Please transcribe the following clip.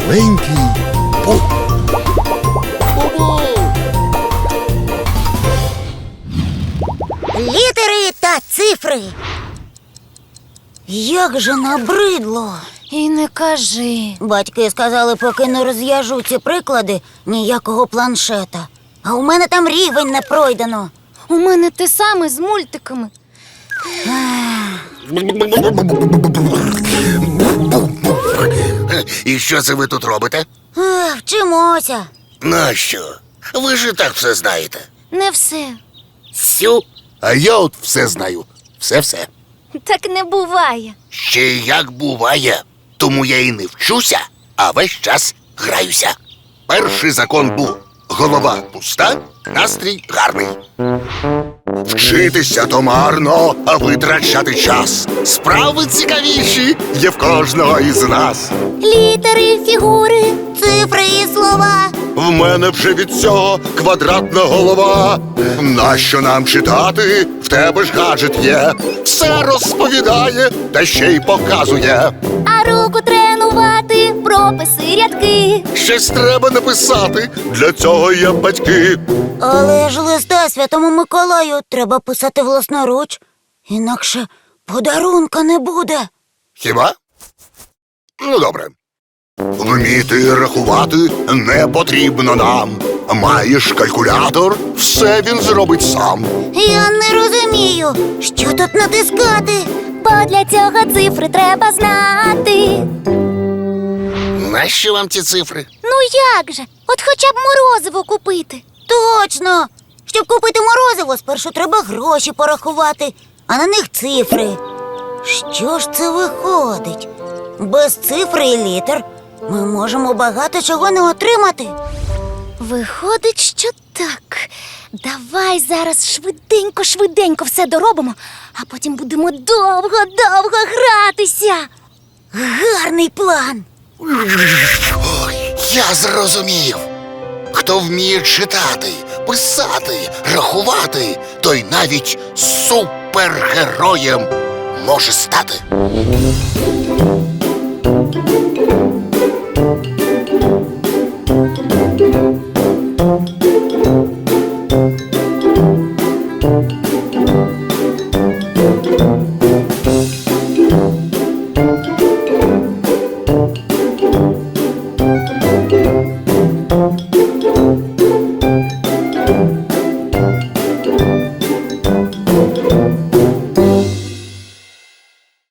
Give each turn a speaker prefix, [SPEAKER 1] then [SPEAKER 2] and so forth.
[SPEAKER 1] маленький Бу.
[SPEAKER 2] Бу-бу!
[SPEAKER 3] Літери та цифри. Як же набридло.
[SPEAKER 4] І не кажи.
[SPEAKER 3] Батьки сказали, поки не розв'яжу ці приклади, ніякого планшета. А у мене там рівень не пройдено.
[SPEAKER 4] У мене те саме з мультиками.
[SPEAKER 2] І що це ви тут робите?
[SPEAKER 3] Вчимося.
[SPEAKER 2] Нащо? Ви ж і так все знаєте.
[SPEAKER 4] Не все.
[SPEAKER 2] Сю.
[SPEAKER 1] А я от все знаю. Все-все.
[SPEAKER 4] Так не буває.
[SPEAKER 2] Ще як буває. Тому я і не вчуся, а весь час граюся. Перший закон був: голова пуста, настрій гарний. Вчитися то марно, а витрачати час. Справи цікавіші є в кожного із нас.
[SPEAKER 3] Літери, фігури, цифри і слова.
[SPEAKER 1] В мене вже від цього квадратна голова. Нащо нам читати? В тебе ж гаджет є. Все розповідає, та ще й показує.
[SPEAKER 4] А руку тренувати, прописи, рядки.
[SPEAKER 1] Щось треба написати, для цього є батьки.
[SPEAKER 3] Але ж листа Святому Миколаю треба писати власноруч. Інакше подарунка не буде.
[SPEAKER 1] Хіба? Ну, добре. Вміти рахувати не потрібно нам. Маєш калькулятор, все він зробить сам.
[SPEAKER 3] Я не розумію, що тут натискати.
[SPEAKER 4] Бо для цього цифри треба знати.
[SPEAKER 2] Нащо вам ці цифри?
[SPEAKER 4] Ну як же? От хоча б морозиво купити.
[SPEAKER 3] Точно! Щоб купити морозиво, спершу треба гроші порахувати, а на них цифри. Що ж це виходить? Без цифри і літер ми можемо багато чого не отримати.
[SPEAKER 4] Виходить, що так. Давай зараз швиденько все доробимо, а потім будемо довго гратися.
[SPEAKER 3] Гарний план!
[SPEAKER 2] Ой, я зрозумів. Хто вміє читати, писати, рахувати, той навіть супергероєм може стати.